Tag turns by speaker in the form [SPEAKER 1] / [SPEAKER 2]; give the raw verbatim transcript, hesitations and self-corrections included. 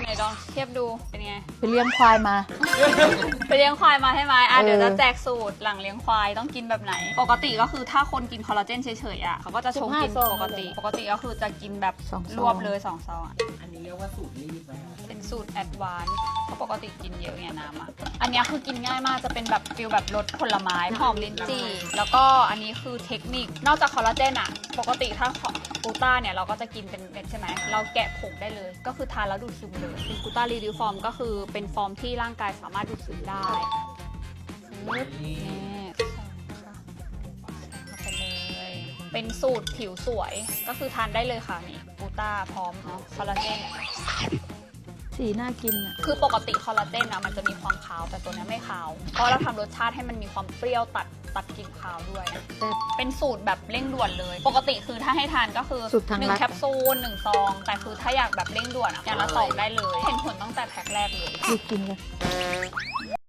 [SPEAKER 1] ไหนลองเทียบดูเป็นไง
[SPEAKER 2] ไปเลี้ยงควายมา
[SPEAKER 1] ไปเลี้ยงควายมาใช่ไหมอ่ะเดี๋ยวจะแจกสูตรหลังเลี้ยงควายต้องกินแบบไหนปกติก็คือถ้าคนกินคอลลาเจนเฉยๆอ่ะเขาก็จะชงกินปกติปกติก็คือจะกินแบบรวบเลยสองซองอ่ะ
[SPEAKER 3] อันนี้เรียกว่าสูตรรีบไหมคะ
[SPEAKER 1] เป็นสูตรแอดวานซ์เพราะปกติกินเยอะไงน้ำอ่ะอันนี้คือกินง่ายมากจะเป็นแบบฟิลแบบรสผลไม้หอมลิ้นจี่แล้วก็อันนี้คือเทคนิคนอกจากคอลลาเจนอ่ะปกติถ้ากูต้าเนี่ยเราก็จะกินเป็นเม็ดใช่ไหมเราแกะผงได้เลยก็คือทานแล้วดูดซึมเลยเป็นกูต้ารีดิวฟอร์มก็คือเป็นฟอร์มที่ร่างกายสามารถดูดซึมได้ปึ๊บนี่ใส่เข้าไปเลยเป็นสูตรผิวสวยก็คือทานได้เลยค่ะนี่กูต้าพร้อมเนาะคอลลาเจน
[SPEAKER 2] สีน่ากินอ่ะ
[SPEAKER 1] คือปกติคอลลาเจนนะมันจะมีความคาวแต่ตัวนี้ไม่คาวเพราะเราทำรสชาติให้มันมีความเปรี้ยวตัดตัดกลิ่นคาวด้วยเป็นสูตรแบบเร่งด่วนเลยปกติคือถ้าให้ทานก็คือหนึ่งแคปซูลหนึ่งซองแต่คือถ้าอยากแบบเร่งด่วนอ่ะอย่างละสองได้เลยเห็นผลตั้งแต่แพ็คแรกเลย
[SPEAKER 2] ดูกินกัน